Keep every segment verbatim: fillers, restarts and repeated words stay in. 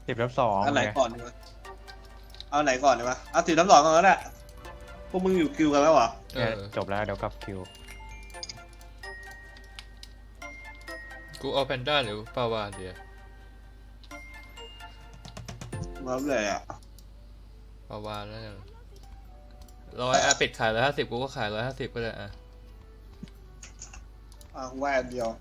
สิบลบสองอันไหนไงก่อนดีวะเอาไหนก่อนดีวะเอาสิบทับสองก่อนก็ได้พวกมึงอยู่คิวกันแล้วเหรอเอเนี่ยอจบแล้วเดี๋ยวกลับคิวกูเอาแพนด้าหรือปาวาเดียมาเลยอ่ะปาวาแล้วกันร้อยอ่ะปิดขายร้อยห้าสิบกูก็ขายร้อยห้าสิบก็ได้อ่ะอ่ะแหวนเดียว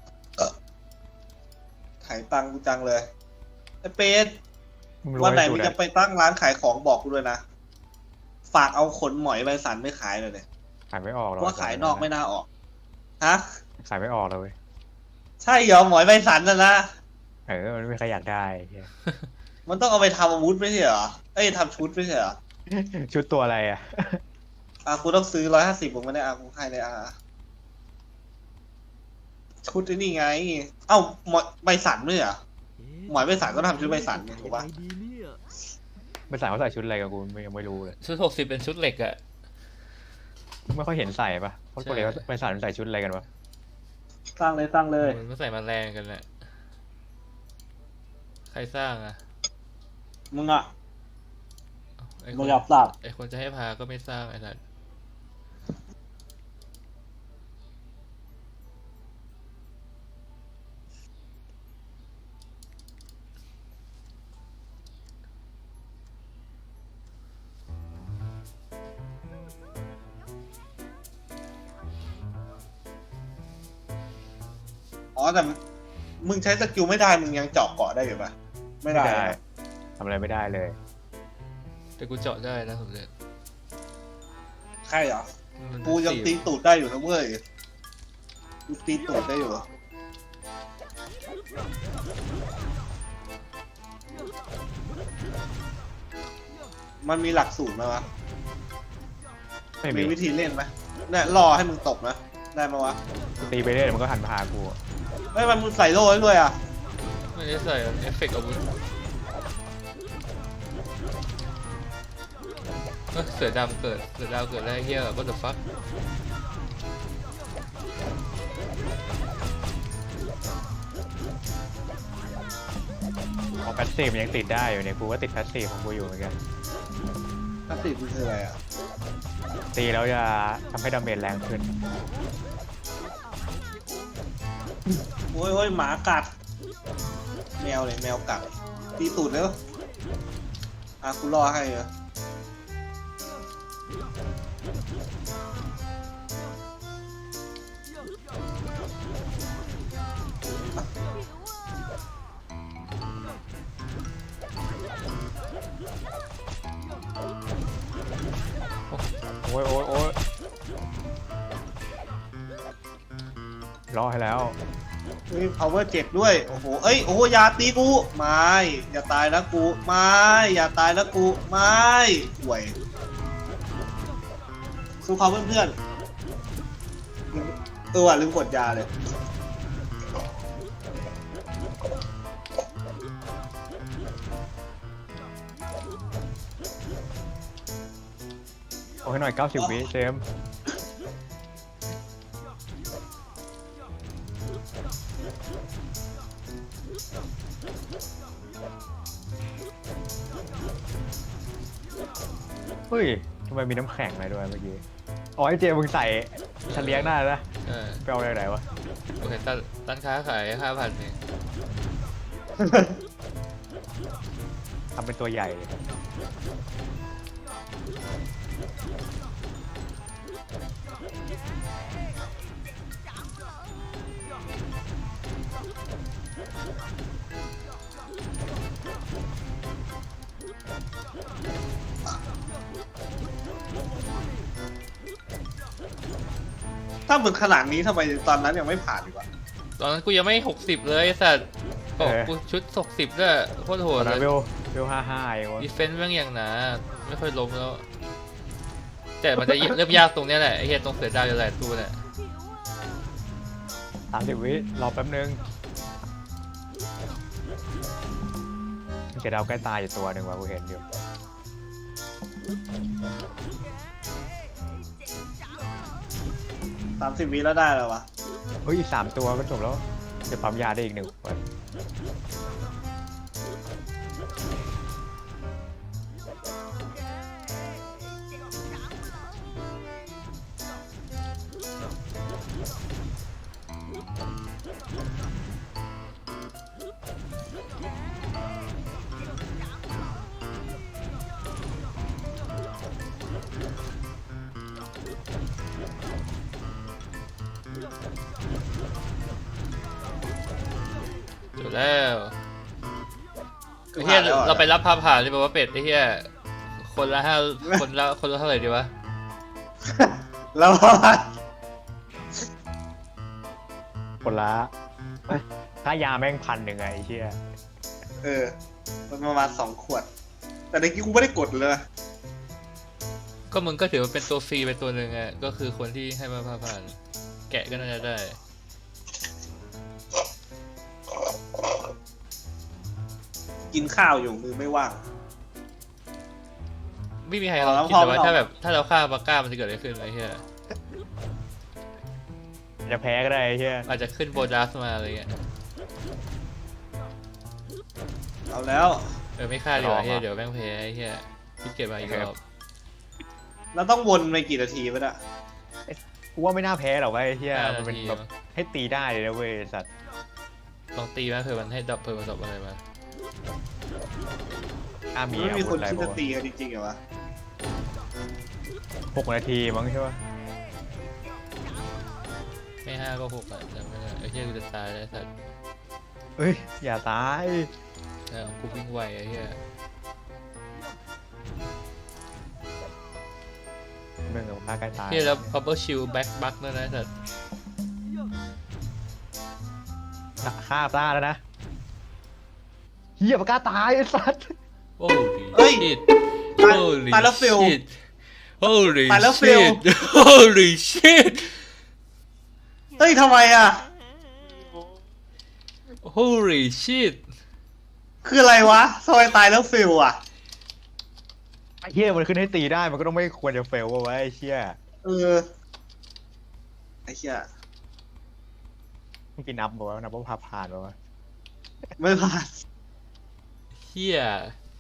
ขายตังค์กูจังเลยไอ้เป็ดมึงรู้วันไหนไอ้สูมึตงรจะไปตั้งร้านขายของบอกกูด้วยนะฝากเอาขนหมอยใบสันไม่ขายเลยเนี่ยขายไม่ออกหรเพอกราะว่าขายนอกไม่น่าออกฮะขายไม่ออกเลยเว้ยใช่เหรอหมอยใบสันน่ะนะเออมันไม่มีใครอยากได้เหี้ยมันต้องเอาไปทำอาวุธไม่ใช่เหรอเอ้ยทำชุดไม่ใช่เหรอชุดตัวอะไรอ่ะอ่ะกูต้องซื้อร้อยห้าสิบผมไม่ได้อ่ะกูให้เลยอ่ะชุดไอ้นี่ไง เอ้าหมอยใบสันด้วยเหรอหมอยใบสันก็ทำชุดใบสันไงถูกปะไม่ใส่เขาใส่ชุดอะไรกับกูไม่ยังไม่รู้เลยชุดหกสิบเป็นชุดเหล็กอะไม่ค่อยเห็นใส่ปะเพราะปกติเขาไปใส่ใส่ชุดอะไรกันวะสร้างเลยสร้างเลยมันไม่ใส่มาแรงกันแหละใครสร้างอะมึงอ่ะไอ้คมึงนอยากสร้างไอ้คนจะให้พาก็ไม่สร้างไอ้สัตว์อ๋อแต่มึงใช้สกิลไม่ได้มึงยังเจาะเกาะได้อยู่ปะไม่ได้นะทำอะไรไม่ได้เลยแต่กูเจาะได้นะสมเด็จใช่เหรอมันกูยังตีตูดได้อยู่นะเว้ยกูตีตูดได้อยู่ มันมีหลักสูตรไหมวะไม่มีมีวิธีเล่นไหมเนี่ยรอให้มึงตกนะ ได้ไหมวะตีไปเรื่อยเดี๋ยวมันก็หันมาหากูไม่มันมึงใส่โล่ให้ด้วยอ่ะไม่ได้ใส่เอฟเฟกต์อาวุธเอ้ยเสือดำเกิดเสือดาวเกิดได้เหี้ย what the fuck พอแพสซีฟมันยังติดได้อยู่เนี่ยกูก็ติดแพสซีฟของกูอยู่เหมือนกันนักติมันคืออะไรอ่ะตีแล้วจะทำให้ดาเมจแรงขึ้นโอ้ยโอ้ยหมากัด แมวเลยแมวกัด ตีตูดแล้วอ่ะกูรอให้เหรอโอ้ยโอ้ยโอ้ยรอให้แล้วเฮ้ย power เจ็ดด้วย โอ้โห เอ้ย โอ้โหอย่าตีกู ไม่ อย่าตายนะกู ไม่ อย่าตายนะกู ไม่ห่วยสู้เขาเพื่อนๆเออว่ะลืมกดยาเลยโอ้ให้หน่อยเก้าสิบวิเจมส์เฮ้ยทำไมมีน้ำแข็งอะไรด้วยเมื่อกี้อ๋อไอเจมส์มึงใส่ฉันเลี้ยงได้นะเออไปเอาอะไรไหนวะโอเคตันร้านค้าขายห้าพันเองทำเป็นตัวใหญ่เลยถ้ามึงขนาดนี้ทำไมตอนนั้นยังไม่ผ่านดีกว่าตอนนั้นกูยังไม่หกสิบเลยไอ้สัตว์บอกกูชุดหกสิบด้วยโคตรโหตอดนนั้นเลเวย ลเวลห้าห้าเองวะดีเฟนซ์แม่งอย่างหนาไม่ค่อยล้มแล้ว แต่มันจะเริ่มยากตรงเนี้ยแหละไอ้เหี้ยตรงเสือดาวจะหลายตัวแหละสามสิบวิรอแป๊บนึงมีเจดาวใกล้ตายอยู่ตัวหนึ่งว่ะกูเห็นอยู่สามสิบวิแล้วได้แล้ววะเฮ้ยอีกสามตัวก็จบแล้วจะปั๊มยาได้อีกหนึ่งวันดแล้วไอ้เฮียเราไปรับพาผ่านเลยบอกว่าเป็ดไอ้เฮียคนละห้าคนละคนละเท่าไหร่ดีวะแล้วคนละเอ้ยค่ายาแม่งพันหนึ่งไงไอ้เชี่ยเออมันประมาณสองขวด แต่ในกี้กูไม่ได้กดเลยก็มึงก็ถือว่าเป็นตัวฟรีเป็นตัวหนึ่งอ่ะก็คือคนที่ให้มาพาผ่าน แกะก็น่าจะได้กินข้าวอยู่มือไม่ว่างไม่มีใครลองคิดเลยว่าถ้าแบบถ้าเราฆ่าบาก้ามันจะเกิดอะไรขึ้นไอ้เหี้ยจะแพ้ก็ได้ไอ้เชี่ยอาจจะขึ้นโบนัสมาอะไรเงี้ยเอาแล้วเออไม่ฆ่าดีกว่าเหี้ยเดี๋ยวแม่งแพ้ไอ้เหี้ยพี่เก็บมาอีกรอบเราต้องวนไปกี่นาทีวะเนี่ยกูว่าไม่น่าแพ้หรอกเว้ยไอ้เชี่ยห้ามันนาเป็นทีแบบให้ตีได้เลยนะเว้ยสัตว์ลองตีมาเผื่อมันให้ดับเผื่อมันดับอะไรมาถ้ามีไม่อามีวุคธนอะไรคิดบ้าจะงตีกันจริงๆเหรอวะหกนาทีมั้งใช่ปะไม่ห้าก็หกอ่ะจำไม่ได้ไอ้เหี้ยกูจะตายแล้วสัตว์เอ้ยอย่าตายเออกูวิ่งไวไอ้เหี้ยมึงกับฆ่าใกล้ตายเหี้ยแล้ว bubble shield back back ด้วยนะสัตว์ฆ่าตาแล้วนะเฮียปากกาตายไอ้สัตว์โอ้เฮ้ย shit ตาย holy ตายแล้วเฟล shit holy ตายแล้วเฟล shit holy shit เฮ้ยทำไมอ่ะ holy shit คืออะไรวะทำไมตายแล้วฟิลอ่ะไอ้เฮียมันขึ้นให้ตีได้มันก็ต้องไม่ควรจะเฟลวะไว้ไอ้เชี่ยเออ ไอ้เหี้ยเมื่อกี้นับบอกว่านับว่าพาผ่านบอกว่าไม่ผ่านเฮีย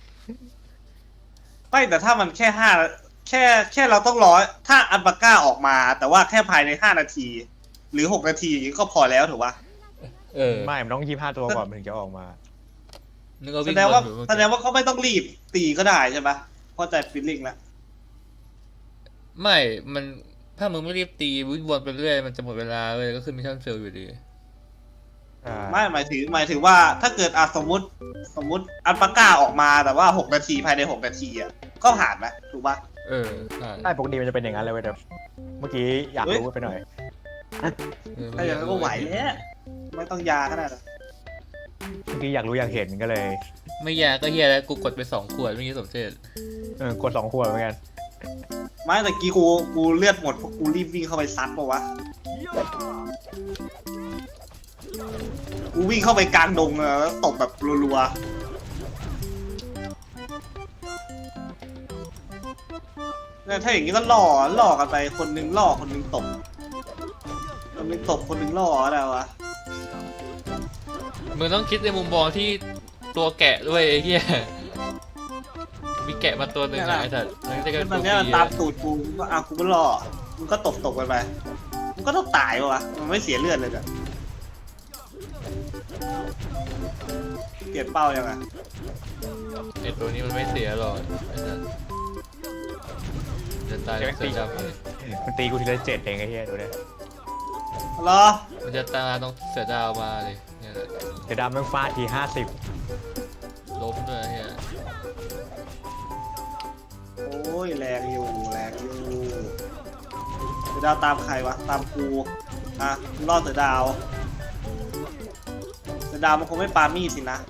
ไม่แต่ถ้ามันแค่ห้าแค่แค่เราต้องรอถ้าอัลปาก้าออกมา แต่ว่าแค่ภายในห้านาที หรือหกนาทีก็พอแล้วถูกปะเออไม่มันต้องยี่ห้าตัวก่อนมันถึงจะออกมานึกว่าแสวิ่งดงว่าวนอยู่เมื่อแสกี้ดงว่าเขาไม่ต้องรีบตีก็ได้ใช่ปะเพราะใจฟิลลิ่งแล้วไม่ มันถ้ามึงไม่รีบตีวิ่งวนไปเรื่อยมันจะหมดเวลาเลยก็คือมิชชั่นเฟลอยู่ดีไม่หมายถึงหมายถึงว่าถ้าเกิดอ่ะสมมติสมมติอัลปาก้าออกมาแต่ว่าหกนาทีภายในหกนาทีอ่ะก็ผ่านไหมถูกปะเออผ่านใช่ปกติมันจะเป็นอย่างนั้นเลยเว้ยแต่เมื่อกี้อยากรู้ไปหน่อยเออถ้าอย่างนั้นก็ไหวแล้วไม่ต้องยาก็ได้หรอกเมื่อกี้อยากรู้อยากเห็นก็เลยไม่ยากก็เฮียแล้วกูกดไปสองขวดเมื่อกี้สมเจตเออกดสองขวดเหมือนกันไม่แต่กี้กูกูเลือดหมดเพราะกูรีบวิ่งเข้าไปซัดปะวะกูวิ่งเข้าไปกลางดงอะแล้วตบแบบรัวๆเนี่ยถ้าอย่างนี้ก็ล่อล่อกันไปคนนึงล่อคนนึงตบคนนึงตบคนนึงล่ออะไรวะมึงต้องคิดในมุมมองที่ตัวแกะด้วยไอ้เหี้ยมีแกะมาตัวหนึ่งอะไอ้สัตว์มันจะเป็นตตัอวน ฟเนี้ยรีตามอะตูดกูก็อ่ะกูก็ล่อมึงก็ตบตบกันไปมึงก็ต้องตายวะมันไม่เสียเลือดเลยอะเปลี่ยนเป้ายังไงไอ้ตัวนี้มันไม่เสียหรอกไอ้สัตว์จะตายแล้วเสือดำเลยมันตีกูทีละเจ็ดเองไอ้เหี้ยดูดิเหรอมันจะตายต้องเสือดาวมาเลยเนี่ยแหละเดี๋ยวดำแม่งฟาดทีห้าสิบล้มด้วยเฮียโอ้ยแรงอยู่แรงอยู่เสือดาวตามใครวะตามกูอ่ะกูล่อเสือดาวเสือดาวมันคงไม่ปามีดสินะ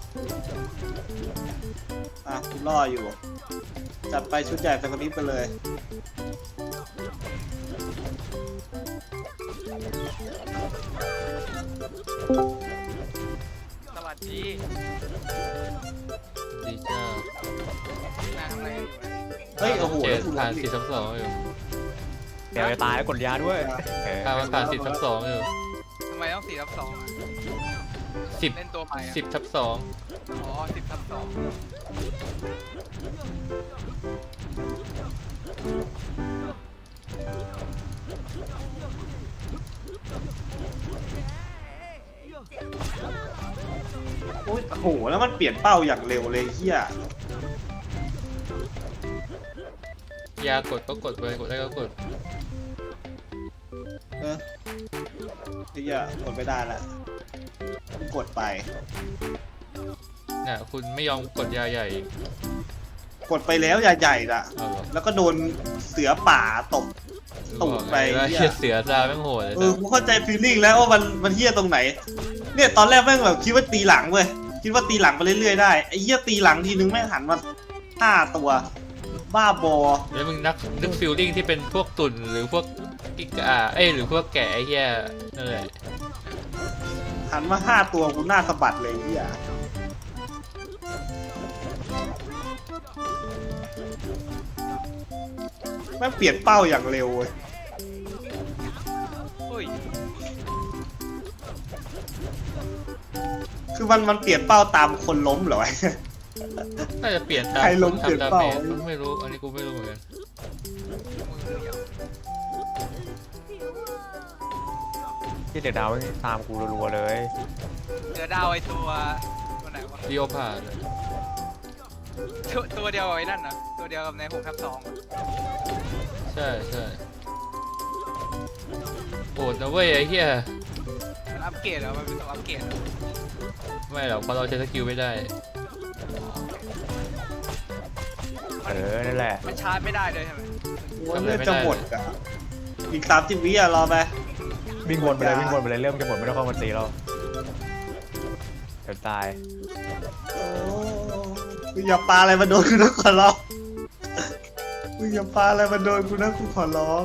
อ่ะกูล่ออยู่จัดไปชุดใหญ่ไปคนนี้ไปเลยสวัสดีดีจ้านาทำอะไรอยู่นะเฮ้ยโอ้โหเจ็แล้วดกูผ่านล้มสี่อีกทับสองอยู่เดี๋ยวจะตายแล้วกดยาด้วยเออผ่านมันผ่านสิบทับสองอยู่ทำไมต้องสี่ทับสองอ่ะสิบเล่นตัวใหม่อ่ะสิบทับสองอ๋อสิบทับสองโอ้ยโอ้โหแล้วมันเปลี่ยนเป้าอย่างเร็วเลยเฮียยากดก็กดไปกดได้ก็กดเออเฮียกดไม่ได้ละกดไปเนี่ยคุณไม่ยอมกดยาใหญ่กดไปแล้วอย่าใหญ่ละเอาเหรอแล้วก็โดนเสือป่าตบ ตูดไปว่าเหี้เหี้ยยเสือซาแม่งโหดเลยเออกูเข้าใจฟีลลิ่งแล้วว่ามันมันเฮี้ยตรงไหน เนี่ยตอนแรกแม่งแบบคิดว่าตีหลังเว้ยคิดว่าตีหลังไปเรื่อยๆได้ไอ้เหี้ยตีหลังทีนึงแม่งหันมาห้าตัวบ้าบอแล้วมึงนักนึกฟิลลิ่งที่เป็นพวกตุ่นหรือพวกกิกาเอ้ยหรือพวกแกะไอ้เหี้ยนั่นแหละหันมาห้าตัวกูหน้าสะบัดเลยไอ้เหี้ยแม่งเปลี่ยนเป้าอย่างเร็วเว้ยอุ้ยคือมันมันเปลี่ยนเป้าตามคนล้มเหรอวะน่าจะเปลี่ยนตามใครล้มคนเปลี่ยนทำดาเป้าเมจไม่รู้อันนี้กูไม่รู้เหมือนกันมือเดียวที่เดือดดาวตามกูรัวๆเลยเจอดาวไอตัวตัวไหนวะดิโอพาดตัวตัวเดียวกับไอ้นั่นนะตัวเดียวกับในหกทับสองอะใช่ใช่โหดนะเว้ยไอ้เหี้ยมันอัปเกรดเหรอมันเป็นตัวอัปเกรดเหรอไม่หรอกเพราะเราใช้สกิลไม่ได้เออนั่นแหละมันชาร์จไม่ได้เลยใช่ไหมโอ้ยเลือดจะหมดอ่ะอีกสามสิบวิอ่ะรอไปวิ่งวนไปเลยวิ่งวนไปเลยเริ่มจะหมดไม่ต้องเข้ามาตีเราเดี๋ยวตายโอ้มึงอย่าปาอะไรมาโดนกูนะขอร้องมึงอย่าปาอะไรมาโดนกูนะกูขอร้อง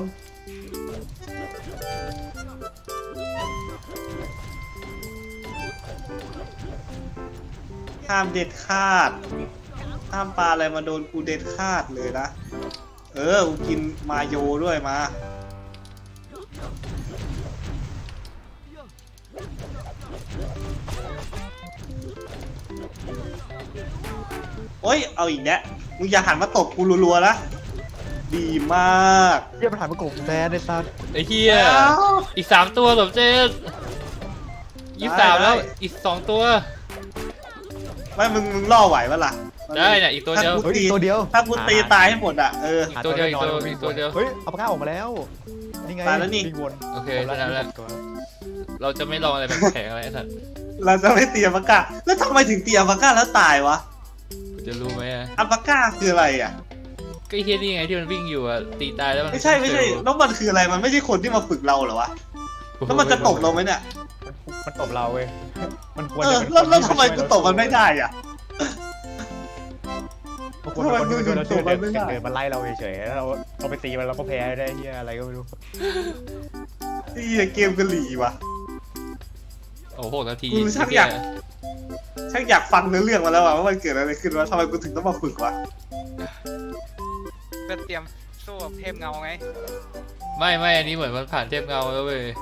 ห้ามเด็ดขาดห้ามปลาอะไรมาโดนกูเด็ดขาดเลยนะเออกูกินมาโยด้วยมาโอ้ยเอาอีกแล้วมึงอย่าหันมาตบกูรัวๆนะดีมากเยี่ยมนถ่ายมากบแบนในซันไอ้เหี้ยอีกสามตัวสมเจตยี่สิบสามแล้วอีกสองตัวไม่มึงมึงล่อไหวปะล่ะได้เนี่ยอีกตัวเดียวถ้ากูเฮ้ยตีตัวเดียวถ้ากูตีตายให้หมดอ่ะเอออีกตัวเดียวอีกตัวอีกตัวเดียวเฮ้ยเอาปากกาออกมาแล้วนี่ไงตายแล้วนี่วิ่งวนโอเคผมชนะแล้วตัวเราจะไม่ลองอะไรแบบแข็งอะไรไอ้สัตว์เราจะไม่ตีอัลปาก้าแล้วทำไมถึงตีอัลปาก้าแล้วตายวะกูจะรู้ไหมอะอัลปาก้าคืออะไรอ่ะก็ไอ้เฮียนี่ไงที่มันวิ่งอยู่อะตีตายแล้วมันไม่ใช่ไม่ใช่แล้วมันคืออะไรมันไม่ใช่คนที่มาฝึกเราเหรอวะแล้วมันจะตบเราไหมเนี่ยมันมันตบเราเว้ยมันควรเอจะอเป็นแล้วแล้วคนทำไมกูตบมันไม่ได้อ่ะมันควรเป็นคนที่ทำไมมึงช่วยเราช่วยตบมันไม่เดินได้เดินมาไล่เราเฉยๆแล้วเราเราไปตีมันเราก็แพ้ได้เฮียอะไรก็ไม่รู้ไอ้เหี้ยเกมกะหรี่วะโอ้โหนาทีกูชักอยาก ช่างอยากฟังเนื้อเรื่องมาแล้วอะว่ามันเกิดอะไรขึ้นวะทำไมกูถึงต้องมาฝึกวะก็เตรียมสู้กับเทพเงาไงไม่ไม่อันนี้เหมือนมันผ่านเทพเงาแล้วเว้ย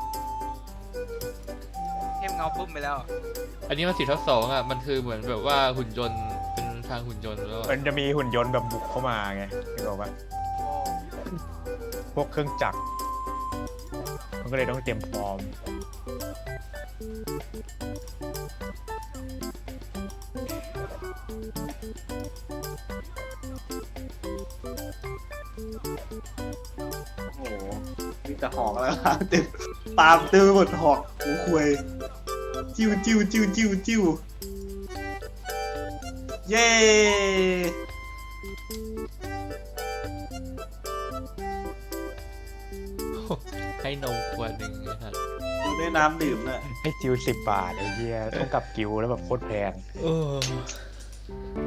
เทพเงาปุ๊บไปแล้วอันนี้มันสี่ทับสองอะมันคือเหมือนแบบว่าหุ่นยนต์เป็นทางหุ่นยนต์แล้วอะมันจะมีหุ่นยนต์แบบบุกเข้ามาไงนึกออกปะโอ้พวกเครื่องจักรมันก็เลยต้องเตรียมพร้อมโอ้โหมีแต่หอกแล้วะเต็มปาล์มเต็มไปหมดหอกหูควยจิ้วจิ้วจิ้วจิ้วจิ้วเย้ให้นมขวดหนึ่งนะครับได้น้ำดื่มเลยให้จิวสิบบาทไอ้เหี้ยต้องกลับกิวแล้วแบบโคตรแพงเออ